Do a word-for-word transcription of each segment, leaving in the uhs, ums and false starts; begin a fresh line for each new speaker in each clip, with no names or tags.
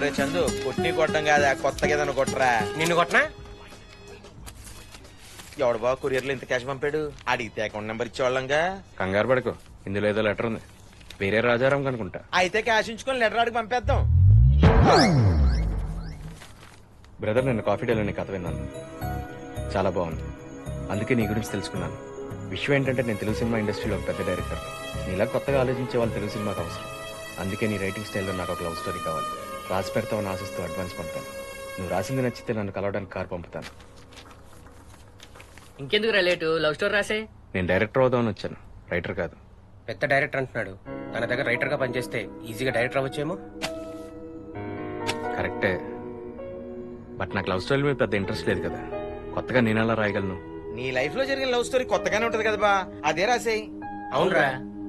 ఒరే చందు కొట్టి కొట్టడం కాదా కొత్తగా ఏదైనా కొట్టరా.
నిన్ను కొట్టనా?
ఎవడు బాబు కొరియర్లో ఇంత క్యాష్ పంపాడు? అడిగితే అకౌంట్ నెంబర్ ఇచ్చేవాళ్ళంగా.
కంగారు పడుకో, ఇందులో ఏదో లెటర్ ఉంది. వేరే రాజారాం కనుకుంటా.
అయితే క్యాష్ ఉంచుకొని లెటర్ అడిగి పంపేద్దాం.
బ్రదర్, నేను కాఫీ డేలో నీ కథ విన్నాను, చాలా బాగుంది. అందుకే నీ గురించి తెలుసుకున్నాను. విషయం ఏంటంటే నేను తెలుగు సినిమా ఇండస్ట్రీలో ఒక పెద్ద డైరెక్టర్. నీలా కొత్తగా ఆలోచించే వాళ్ళు తెలుగు సినిమాకి అవసరం. అందుకే నీ రైటింగ్ స్టైల్లో నాకు ఒక లవ్ స్టోరీ కావాలి. రాసి పెడతావని ఆశిస్తూ అడ్వాన్స్ పంపుతాను. నువ్వు రాసింది నచ్చితే నన్ను కలవడానికి కార్ పంపుతాను.
ఇంకెందుకు రిలేటు, లవ్ స్టోరీ రాసే.
నేను డైరెక్టర్ అవుదామని వచ్చాను, రైటర్ కాదు.
పెద్ద డైరెక్టర్ అంటున్నాడు. తన దగ్గర రైటర్ గా పనిచేస్తే ఈజీగా డైరెక్టర్ అవ్వచ్చేమో.
కరెక్టే, బట్ నాకు లవ్ స్టోరీ మీద పెద్ద ఇంట్రెస్ట్ లేదు కదా. కొత్తగా నేను ఎలా రాయగలను?
నీ లైఫ్ లో జరిగిన లవ్ స్టోరీ కొత్తగానే ఉంటది కదా బా, అదే రాసేయ్.
అవునరా.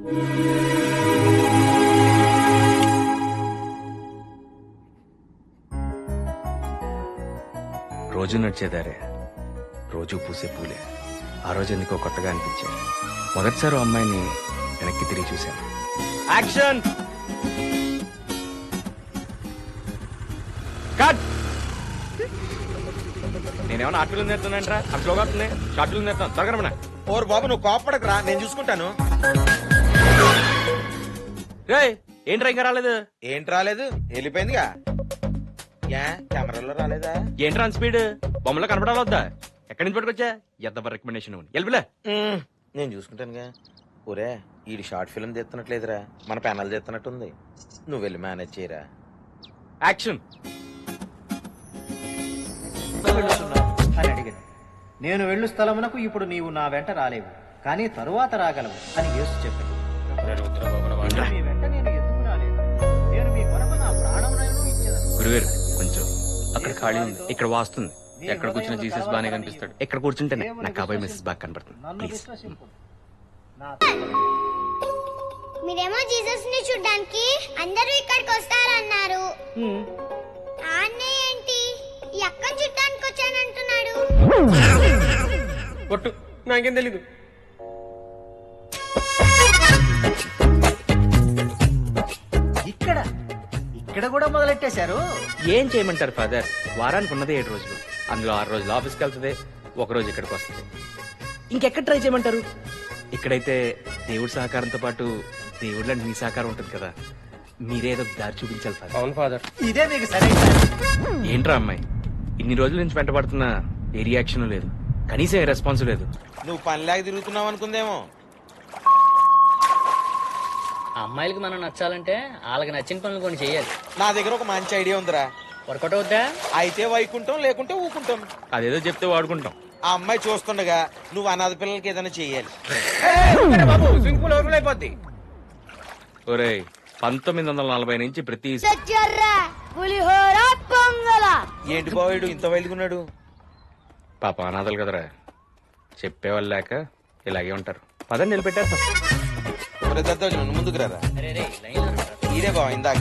రోజు నడిచేదారే, రోజు పూసే పూలే. ఆ రోజు ఎందుకో కొత్తగా అనిపించాయి. మొదటిసారి అమ్మాయిని వెనక్కి తిరిగి చూశాను. Action cut. నేనేమన్నా ఆర్ట్ ఫిల్మ్ నేర్తున్నానంటరా? అట్లా వస్తుంది షార్ట్ ఫిల్మ్ నేర్తాను. త్వరగా
ఓరు బాబు నువ్వు కోపడకరా, నేను చూసుకుంటాను.
ఏంట్రా ఇంకా రాలేదు?
ఏంటి రాలేదు? వెళ్ళిపోయిందిగా. యా కెమెరాలో రాలేదా?
ఏంట్రా స్పీడ్? బొమ్మలో కనపడాలొద్దా? ఎక్కడి నుంచి పట్టుకొచ్చా? ఎంత రికమెండేషన్ వెళ్ళిపోలే.
నేను చూసుకుంటానుగా. ఊరే ఈ షార్ట్ ఫిల్మ్ తెస్తున్నట్లేదురా, మన పెనాలు తెస్తున్నట్టుంది. నువ్వు వెళ్ళి మేనేజ్ చేయరా.
యాక్షన్.
అని అడిగాను. నేను వెళ్ళు స్థలమునకు ఇప్పుడు నీవు నా వెంట రాలేవు, కానీ తరువాత రాగలవు అని యేసు చెప్పాడు. మీ వెంట నేను ఎందుకు రాలేదు? నేను మీ కొరకు నా ప్రాణములను ఇచ్చేదను.
గురువేరు కొంచెం అక్కడ ఖాళీ ఉంది, ఇక్కడ వాస్తుంది. ఎక్కడ కూర్చున్న జీసస్ బాగానే కనిపిస్తాడు. ఎక్కడ కూర్చుంటేనే నాకు కాబోయే మిస్సెస్ బాగా కనపడుతుంది.
నన్ను
ప్లీజ్.
విశ్వసింపు. నా
మీరేమో జీసస్ ని చూడ్డానికి అందరూ ఇక్కడికి వస్తారన్నారు. అన్నయ్య ఏంటి ఈ అక్కని చూడ్డానికి వచ్చానంటున్నాడు?
కొట్టు, నాకేం తెలీదు.
ఇక్కడ ఇక్కడ కూడా మొదలెట్టేశారు.
ఏం చేయమంటారు ఫాదర్? వారానికి ఉన్నదే ఏడు రోజులు, అందులో ఆరు రోజులు ఆఫీస్కి వెళ్తుంది, ఒక రోజు ఇక్కడికి వస్తుంది. ఇంకెక్కడ ట్రై చేయమంటారు? ఇక్కడైతే దేవుడి సహకారంతో పాటు దేవుళ్ళ మీ సహకారం ఉంటుంది కదా. మీరేదో దారి చూపించాలి ఫాదర్.
అవును ఫాదర్.
ఇదే మీకు సరైన.
ఏంట్రా అమ్మాయి ఇన్ని రోజుల నుంచి వెంటబడుతున్నా ఏ రియాక్షన్ లేదు, కనీసం ఏ రెస్పాన్స్ లేదు.
నువ్వు పనిలాగా తిరుగుతున్నావు అనుకుందేమో.
అమ్మాయిలకి మనం నచ్చాలంటే వాళ్ళకి నచ్చిన పనులు కొన్ని చేయాలి.
నా దగ్గర ఒక మంచి ఐడియా ఉందిరా.
వర్కౌట్ అవుద్దా?
అయితే వైకుంటాం, లేకుంటే ఊకుంటాం.
అదేదో చెప్తే వాడుకుంటాం.
ఆ అమ్మాయి చూస్తుండగా నువ్వు అనాథ పిల్లలకి ఏదైనా చెయ్యాలి.
బాబు స్విమ్మింగ్ పూల్ ఓపెన్ అయిపోద్ది.
ఒరేయ్, పంతొమ్మిది వందల నలభై నుంచి ప్రతి
ఏంటి బావాడు ఇంత వైలుగున్నాడు?
పాప అనాథలు కదరా, చెప్పేవాళ్ళు లేక ఇలాగే ఉంటారు. పదని నిలబెట్టేస్తాం.
నువ్వు ముందుకు రారా. ఇదే బావ ఇందాక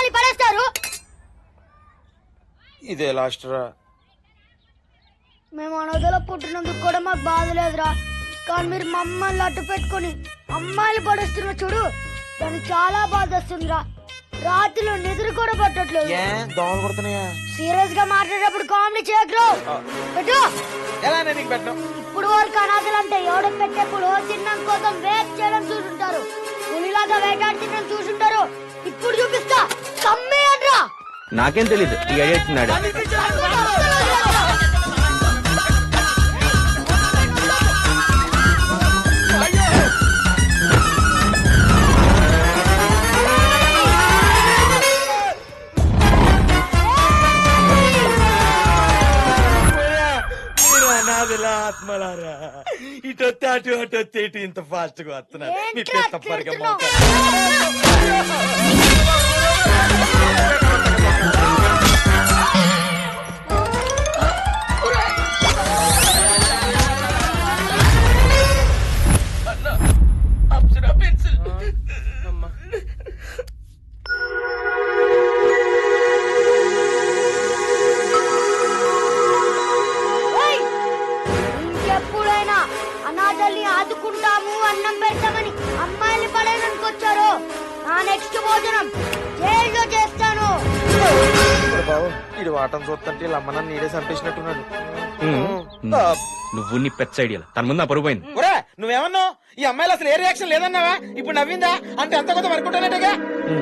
ఇదే లాస్ట్ రా.
మేము అనాథలో పుట్టినందుకు కూడా మాకు బాధ లేదురా, కానీ మీరు మమ్మల్ని అడ్డు పెట్టుకుని అమ్మాయిలు పడేస్తున్న చూడు, దానికి చాలా బాధ వస్తుందిరా. రాత్రిలో నిద్ర కూడా పట్టట్లేదు.
ఏ దోమలు కొడుతున్నాయా?
సీరియస్ గా మాట్లాడేటప్పుడు కామెడీ చేయకు. పెట్టు.
ఎలా నీకు పెట్టడం?
ఇప్పుడు వాళ్ళకి అనాథలు అంటే ఎవడో పెట్టే పులిహోర తినడం కోసం వెయిట్ చేయడం చూసుంటారు, పులిలాగా వేటాడి తినడం చూసుంటారు. ఇప్పుడు చూపిస్తా, కమ్మేయండ్రా.
నాకేం తెలీదు, ఈ ఐడియా ఇచ్చినాడు.
ఆత్మలారా ఇటొత్తే అటు అటు వస్తే ఇటు ఇంత ఫాస్ట్ గా వస్తున్నారు.
ఇంకెప్పుడైనా అనాథల్ని ఆదుకుంటాము, అన్నం పెడతామని అమ్మాయిల్ని పడేదనుకొచ్చారు, నా నెక్స్ట్ భోజనం జైల్లో చేస్తాను.
బాబు ఇది వాటం చూస్తుంటే వీళ్ళ అమ్మ నన్ను నీడే చంపేసినట్టున్నాడు.
నువ్వు నీ పెద్ద ఐడియా తన ముందు పరుగు పోయింది.
ఒరే నువ్వేమన్నావు? ఈ అమ్మాయిలు అసలు ఏ రియాక్షన్ లేదన్నావా? ఇప్పుడు నవ్విందా అంటే అంత కొత్త వర్కుంటానట్టుగా.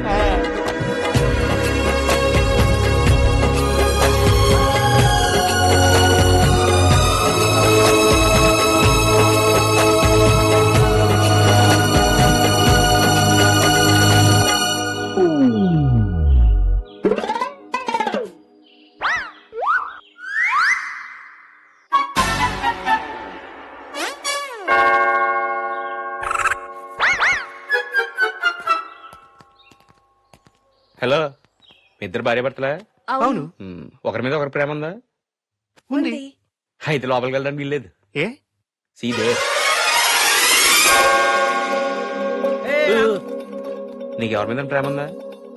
హలో, మీ ఇద్దరు భార్య భర్తలా?
అవును.
మ్మ్. ఒకరి మీద ఒకరి ప్రేమ ఉందా?
ఉంది.
అయితే లోపలికి వెళ్ళడానికి వీల్లేదు.
ఏ
సీదే నీకు ఎవరి మీద ప్రేమ ఉందా?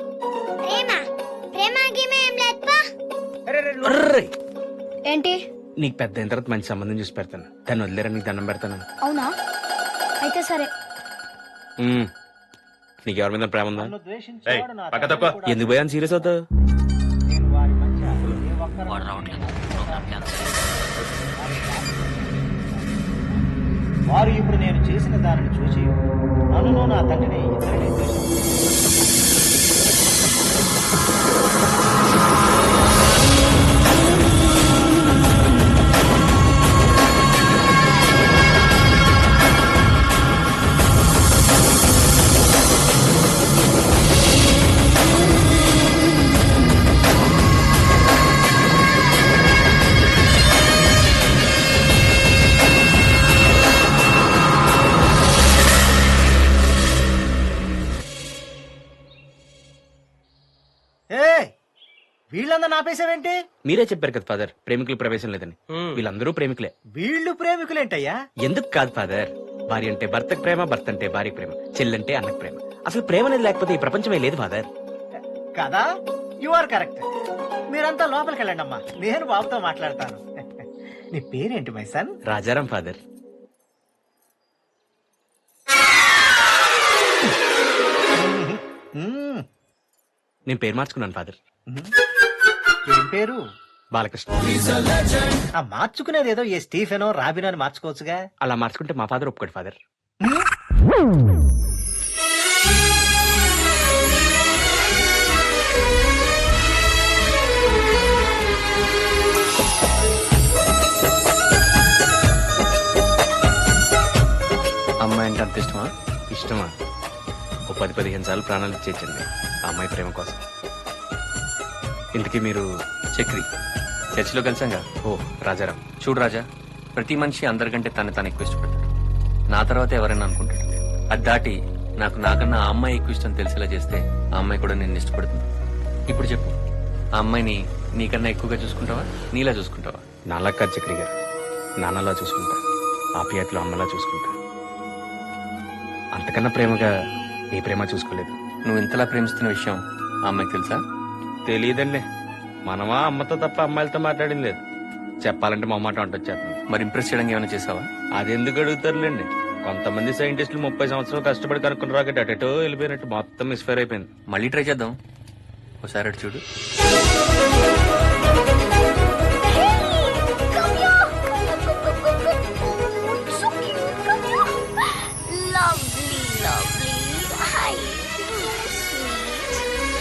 ఏంటి?
నీకు పెద్ద అయిన తర్వాత మంచి సంబంధం చూసి పెడతాను. దాన్ని వదిలేరా, నీకు దండం పెడతాను.
అవునా? అయితే సరే.
మ్మ్. నీకు ఎవరి మీద ప్రేమ ఉందా?
నన్ను ద్వేషించేవాడు నా
పక్క
తండ్రి
తక్కువ
కూడా
ఎందుకు పోయాను సీరియస్ అవుతావు?
నేను వారి మధ్య ఏ ఒక్కరిని వారు ఇప్పుడు నేను చేసిన దానిని చూసి నన్ను నా తండ్రిని ఇద్దరిని ద్వేషించారు. వీళ్ళందరూ ఆపేసావేంటి?
మీరే చెప్పారు కదా ఫాదర్, ప్రేమికులు ప్రవేశం లేదని. వీళ్ళందరూ ప్రేమికులే.
వీళ్ళు ప్రేమికులేంటయ్యా?
ఎందుకు కాదు ఫాదర్, భార్య అంటే భర్తకు ప్రేమ, భర్త అంటే భార్య ప్రేమ, చెల్లంటే అన్నకు ప్రేమ. అసలు ప్రేమ అనేది లేకపోతే ఈ ప్రపంచమే లేదు ఫాదర్.
కదా, యు ఆర్ కరెక్ట్. మీరంతా లోపలికి వెళ్ళండి అమ్మా, నేను బాబుతో మాట్లాడతాను. నీ పేరేంటి మై సన్?
రాజారాం ఫాదర్.
మ్మ్.
నేను పేరు మార్చుకున్నాను ఫాదర్.
ఏం పేరు?
బాలకృష్ణ.
ఆ మార్చుకునేది ఏదో ఏ స్టీఫెనో రాబినో అని మార్చుకోవచ్చుగా.
అలా మార్చుకుంటే మా ఫాదర్ ఒప్పుకోడు ఫాదర్.
అమ్మాయి అంటే అంత ఇష్టమా?
ఇష్టమా? ఓ పది పదిహేను సార్లు ప్రాణాలు ఇచ్చేచ్చండి ఆ అమ్మాయి ప్రేమ కోసం. ఇంతకీ మీరు
చక్రి చర్చిలో కలిసాంగా.
ఓ రాజారాం.
చూడు రాజా, ప్రతి మనిషి అందరికంటే తను తాను ఎక్కువ ఇష్టపడతాడు. నా తర్వాత ఎవరైనా అనుకుంటాడు. అది దాటి నాకు నాకన్నా ఆ అమ్మాయి ఎక్కువ ఇష్టం తెలిసేలా చేస్తే ఆ అమ్మాయి కూడా నేను ఇష్టపడుతుంది. ఇప్పుడు చెప్పు, ఆ అమ్మాయిని నీకన్నా ఎక్కువగా చూసుకుంటావా, నీలా చూసుకుంటావా?
నాలా కాదు చక్రి గారు, నాన్నలా చూసుకుంటా, ఆప్యాయతలో అమ్మలా చూసుకుంటా. అంతకన్నా ప్రేమగా ఏ ప్రేమ చూసుకోలేదు.
నువ్వు ఇంతలా ప్రేమిస్తున్న విషయం ఆ అమ్మాయికి తెలుసా?
తెలియదండి. మనమా అమ్మతో తప్ప అమ్మాయిలతో మాట్లాడింది లేదు. చెప్పాలంటే మా మాట అంటొచ్చేస్తాను.
మరి ఇంప్రెస్ చేయడానికి ఏమైనా చేసావా?
అది ఎందుకు అడుగుతారులేండి. కొంతమంది సైంటిస్టులు ముప్పై సంవత్సరాలు కష్టపడి కనుక్కుని రాకెట్ అటెటో వెళ్ళిపోయినట్టు మొత్తం మిస్ఫైర్ అయిపోయింది.
మళ్ళీ ట్రై చేద్దాం. ఒకసారి అటు చూడు.